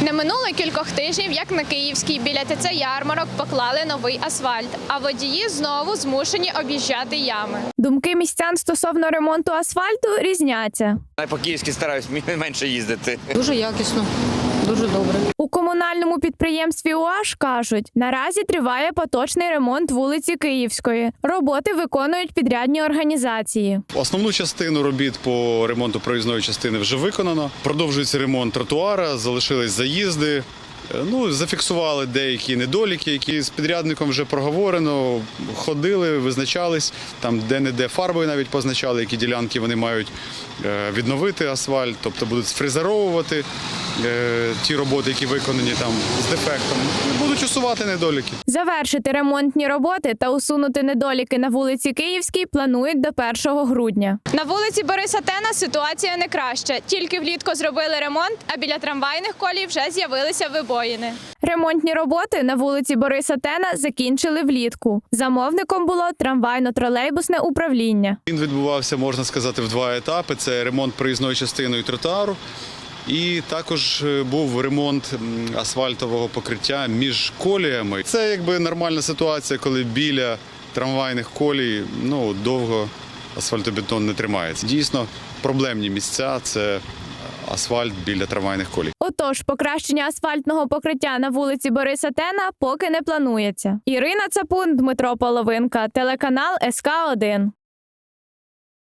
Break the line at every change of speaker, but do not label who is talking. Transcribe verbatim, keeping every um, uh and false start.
Не минуло кількох тижнів, як на Київській біля ТЦ «Ярмарок» поклали новий асфальт, а водії знову змушені об'їжджати ями. Думки містян стосовно ремонту асфальту різняться.
Я по-київськи стараюсь менше їздити.
Дуже якісно, дуже добре.
У комунальному підприємстві УАЖ кажуть, наразі триває поточний ремонт вулиці Київської. Роботи виконують підрядні організації.
Основну частину робіт по ремонту проїзної частини вже виконано. Продовжується ремонт тротуара, залишились заїзди. Ну, зафіксували деякі недоліки, які з підрядником вже проговорено, ходили, визначались, там де-не-де фарбою навіть позначали, які ділянки вони мають відновити асфальт, тобто будуть сфрезеровувати ті роботи, які виконані там з дефектом, будуть усувати недоліки.
Завершити ремонтні роботи та усунути недоліки на вулиці Київській планують до першого грудня. На вулиці Бориса Тена ситуація не краща. Тільки влітку зробили ремонт, а біля трамвайних колій вже з'явилися вибоїни. Ремонтні роботи на вулиці Бориса Тена закінчили влітку. Замовником було трамвайно-тролейбусне управління.
Він відбувався, можна сказати, в два етапи. Це ремонт проїзної частини і тротуару. І також був ремонт асфальтового покриття між коліями. Це якби нормальна ситуація, коли біля трамвайних колій ну, довго асфальтобетон не тримається. Дійсно, проблемні місця – це асфальт біля трамвайних колій.
Отож, покращення асфальтного покриття на вулиці Бориса Тена поки не планується. Ірина Цапун, Дмитро Половинка, телеканал ес ка один.